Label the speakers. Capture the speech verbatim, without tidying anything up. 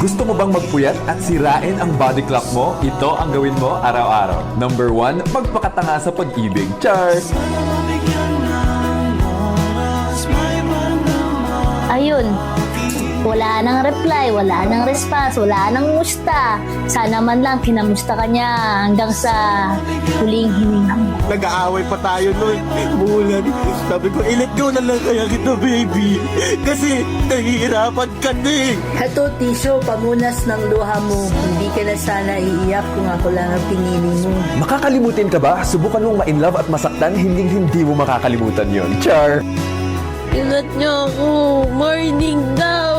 Speaker 1: Gusto mo bang magpuyat at sirain ang body clock mo? Ito ang gawin mo araw-araw. Number one, magpakatanga sa pag-ibig. Char!
Speaker 2: Ayun. Wala nang reply, wala nang response, wala nang musta. Sana man lang kinamusta ka niya hanggang sa huling hininga mo.
Speaker 3: Nag-aaway pa tayo nun. Bulan. Sabi ko, i-let go na lang kaya kita, baby. Kasi nahihirapan ka na eh.
Speaker 4: Heto, Tisyo, pamunas ng luha mo. Hindi ka na sana iiyak kung ako lang ang pinili mo.
Speaker 1: Makakalimutin ka ba? Subukan mong ma-inlove at masaktan, hindi hindi mo makakalimutan yon. Char!
Speaker 2: Ingat niyo ako. Morning daw.